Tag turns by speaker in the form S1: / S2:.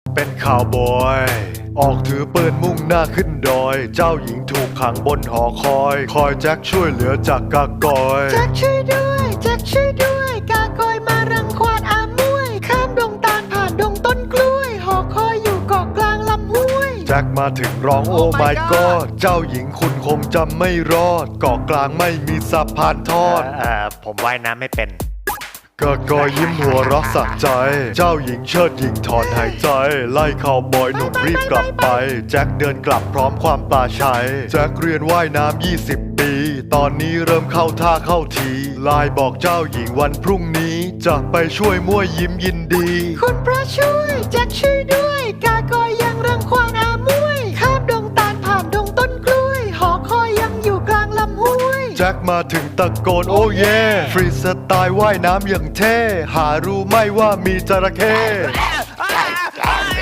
S1: เป็นข่าวบอยออกถือปืนมุ่งหน้าขึ้นดอยเจ้าหญิงถูกขังบนหอคอยแจ็คช่วยเหลือจากกากอย
S2: แจ็คช่วยด้วยแจ็คช่วยด้วยกากอยมารังควานอามวยข้ามดงตาลผ่านดงต้นกล้วยหอคอยอยู่เกาะกลางลำห้วย
S1: แจ็คมาถึงร้องโอ้ my god เจ้าหญิงคุณคงจำไม่รอดเกาะกลางไม่มีสะพานทอด
S3: ผมว่ายน้ำไม่เป็น
S1: กากอยยิ้มหัวเรักสักใจ เจ้าหญิงเชิดหญิงถอนหายใจ ไล่ข่าวบอยหนุ่มรีบกลับไป แจ็คเดินกลับพร้อมความปลาชัย แจ็คเรียนว่ายน้ำ20 ปี ตอนนี้เริ่มเข้าท่าเข้าทีไลน์บอกเจ้าหญิงวันพรุ่งนี้ จะไปช่วยมั่วยิ้มยินดี
S2: คุณพระช่วยแจ็คช่วยด้วยกากอยยังรังควานอามวยข้ามดงตาลผ่านดงต้นกล้วยหอคอยยังอยู่กลางลำห้วย
S1: แจ็คมาถึงตะโกนโอ้เย่ฟรีสไตล์ว่ายน้ำอย่างเท่ หารู้ไหม่ว่ามีจระเข้